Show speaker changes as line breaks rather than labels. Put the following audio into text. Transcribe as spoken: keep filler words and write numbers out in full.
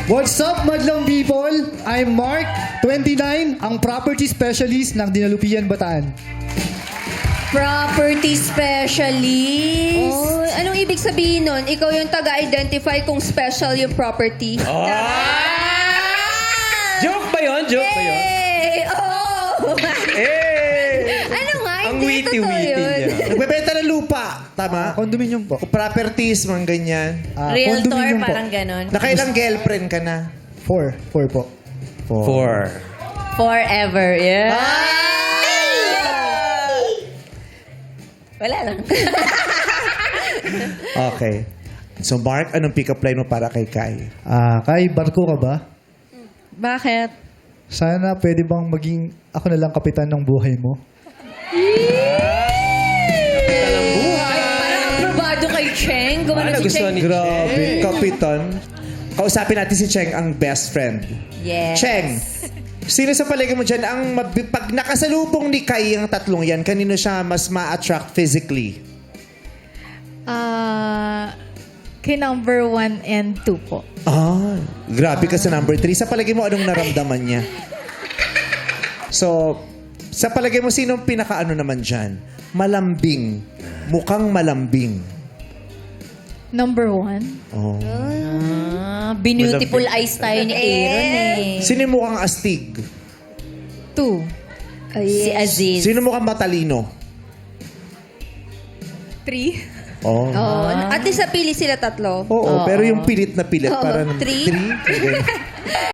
What's up, madlang people? I'm Mark, twenty-nine, ang property specialist ng Dinalupian, Bataan.
Property specialist? Oh, anong ibig sabihin nun? Ikaw yung taga-identify kung special yung property.
Oh! Joke ba yun? Joke ba yun?
Hey! Oh!
Eh!
Ano nga?
Ang
Hindi,
witty-witty
totoo yun.
niya.
Nagbebenta ng lupa, tama?
Condominium po.
Properties, mga ganyan.
Ah,
Realtor,
condominium po.
parang ganon.
Nakailang girlfriend ka na?
Four. Four po.
Four.
Forever, yeah.
Ah!
Wala lang.
Okay. So, Mark, anong pick-up line mo para kay Kai?
Ah, Kai, barko ka ba?
Bakit?
Sana pwede bang maging ako na lang kapitan ng buhay mo?
Parang aprobado kay Cheng. Gumano
Ah,
si
nagustuhan
Cheng.
ni
Grabe,
Cheng.
kapitan. Kausapin natin si Cheng, ang best friend.
Yes.
Cheng, sino sa palagay mo dyan ang mabi- pag nakasalubong ni Kai ang tatlong yan, kanino siya mas ma-attract physically?
Ah, kay number one and two po.
Ah, grabe ka sa number three. Sa palagay mo, anong naramdaman niya? So, sa palagay mo, sinong pinaka-ano naman dyan? Malambing. Mukhang malambing.
Number one.
Oh.
Ah, beautiful eyes tayo ni Aaron eh.
Sino yung mukhang astig?
Two.
Si Aziz.
Sino mukhang matalino?
Three.
Oh.
Oh, at least napili sila tatlo.
Oo, pero yung pilit na pilit.
Oo,
parang
three?
Three? Ganyan.